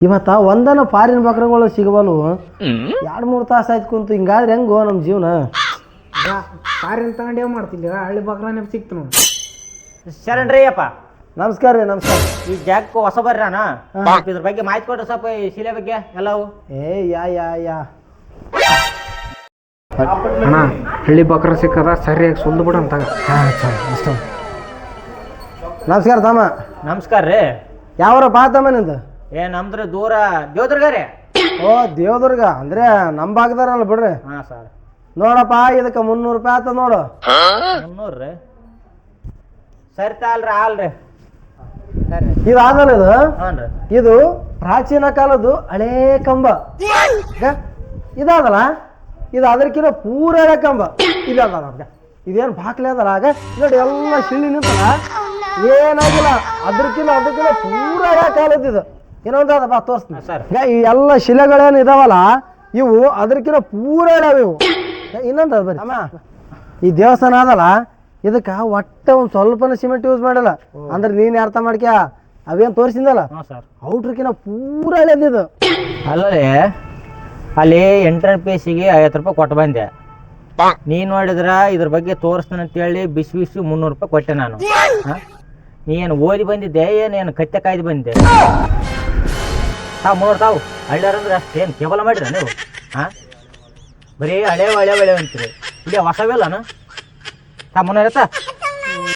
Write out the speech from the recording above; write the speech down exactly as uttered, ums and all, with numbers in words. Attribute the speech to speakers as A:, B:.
A: ಇವತ್ತ ಒಂದನ ಫಾರಿನ್ ಬಕ್ರಗಳು ಸಿಗವಲ್ವು ಎರಡು ಮೂರು ತಾಸು ಆಯ್ತು ಕುಂತು ಹಿಂಗಾದ್ರೆ ಹೆಂಗೋ ನಮ್ಮ ಜೀವನ.
B: ಫಾರಿನ್ ತಗೊಂಡು ಏನು ಮಾಡ್ತಿದ್ದೆ ಹಳ್ಳಿ ಬಕ್ರನೇ ಸಿಕ್ತು ನೋಡಿ.
C: ಶರಣ್ರಿ ಅಪ್ಪ
A: ನಮಸ್ಕಾರ ರೀ. ನಮಸ್ಕಾರ.
C: ಈ ಜಾಗಕ್ಕೆ ಹೊಸ ಬರ್ರಾನ ಇದ್ರ ಬಗ್ಗೆ ಮಾಹಿತಿ ಕೊಡ್ರಿ ಸ್ವಲ್ಪ ಈ ಶಿಲೆ ಬಗ್ಗೆ ಎಲ್ಲವು.
A: ಏ ಯಾ ಯಾ ಯಾ
B: ಅಣ್ಣ ಹಳ್ಳಿ ಬಕ್ರ ಸಿಕ್ಕದ ಸರಿಯಾಗಿ ಸುಲ್ದು ಬಿಡ ಅಂತ.
A: ಅಷ್ಟ. ನಮಸ್ಕಾರ ತಮ್ಮ.
C: ನಮಸ್ಕಾರ ರೀ.
A: ಯಾವರ ಬಾ ತಮ್ಮ ನಿಂದು?
C: ಏ ನಮ್ದ್ರ ದೂರ ದೇವದುರ್ಗ ರೀ.
A: ಓ ದೇವದುರ್ಗ ಅಂದ್ರೆ ನಮ್ಮ ಭಾಗದಾರಲ್ಲ ಬಿಡ್ರಿ.
C: ಹಾ ಸರ್.
A: ನೋಡಪ್ಪ ಇದಕ್ಕೆ ಮುನ್ನೂರು ರೂಪಾಯಿ ಆತ ನೋಡು.
C: ಮುನ್ನೂರು ರೀ ಸರಿ ತಾಲ್ರಿ ಆಲ್ರಿ.
A: ಇದು ಆದಲ್ಲ ಇದು
C: ಹ್ಞೂ ರೀ.
A: ಇದು ಪ್ರಾಚೀನ ಕಾಲದ್ದು ಹಳೇ ಕಂಬ ಇದಾದಲ್ಲ. ಇದು ಅದಕ್ಕಿಂತ ಪೂರ ಹಳೆ ಕಂಬ ಇಲ್ಲ ಅದ. ಇದೇನು ಬಾಕ್ಲೆ ಅದಲ್ಲ ಆಗ ನೋಡಿ ಎಲ್ಲ ಶಿಳ್ಳಿ ನಿಂತಲ್ಲ ಏನಾಗಿಲ್ಲ. ಅದ್ರಕ್ಕಿಂತ ಅದಕ್ಕಿಂತ ಪೂರ ಹಳೆ ಕಾಲದ್ದು ಇದು. ಏನೊಂದು ಅದ ಬಾ ತೋರಿಸ್ತೀನಿ
C: ಸರ್.
A: ಈ ಎಲ್ಲ ಶಿಲೆಗಳೇನು ಇದಾವಲ್ಲ ಇವು ಅದಕ್ಕಿಂತ ಪೂರ ಹಳೆ ಇವು. ಇನ್ನೊಂದು ಅದ ಬರೀ ಅಮ್ಮ ಈ ದೇವಸ್ಥಾನ ಅದಲ್ಲ ಇದಕ್ಕೆ ಒಟ್ಟೆ ಒಂದು ಸ್ವಲ್ಪನ ಸಿಮೆಂಟ್ ಯೂಸ್ ಮಾಡಲ್ಲ. ಅಂದ್ರೆ ನೀನು ಅರ್ಥ ಮಾಡ್ಕ್ಯಾ ಅವೇನು ತೋರಿಸಿದಲ್ಲ ಔಟ್ರಕ್ಕಿಂತ ಪೂರ ಹಳೇದಿದು.
C: ಅಲ್ಲೇ ಅಲ್ಲಿ ಎಂಟ್ರೆನ್ಸ್ ಪೇಸಿಗೆ ಐವತ್ತು ರೂಪಾಯಿ ಕೊಟ್ಟು ಬಂದೆ. ನೀನು ನೋಡಿದ್ರ ಇದ್ರ ಬಗ್ಗೆ ತೋರಿಸ್ತಾನೆ ಅಂತೇಳಿ ಬಿಸಿ ಬಿಸಿ ಮುನ್ನೂರು ರೂಪಾಯಿ ಕೊಟ್ಟೆ ನಾನು. ನೀ ಏನು ಓದಿ ಬಂದಿದ್ದೆ ಏನೇನು ಕತ್ತೆ ಕಾಯ್ದು ಬಂದಿದ್ದೆ? ತಾವು ಮುನ್ನೂರು ತಾವು ಹಳ್ಳ್ಯಾರಂದ್ರೆ ಅಷ್ಟೇನು ಕೇವಲ ಮಾಡಿರ ನೀವು? ಹಾಂ ಬರೀ ಹಳೆ ಹಳೆ ಹಳೆ ಅಂತೀರಿ. ಇಲ್ಲಿ ಹೊಸವಿಲ್ಲನ? ತಾ ಮುನ್ನೂರ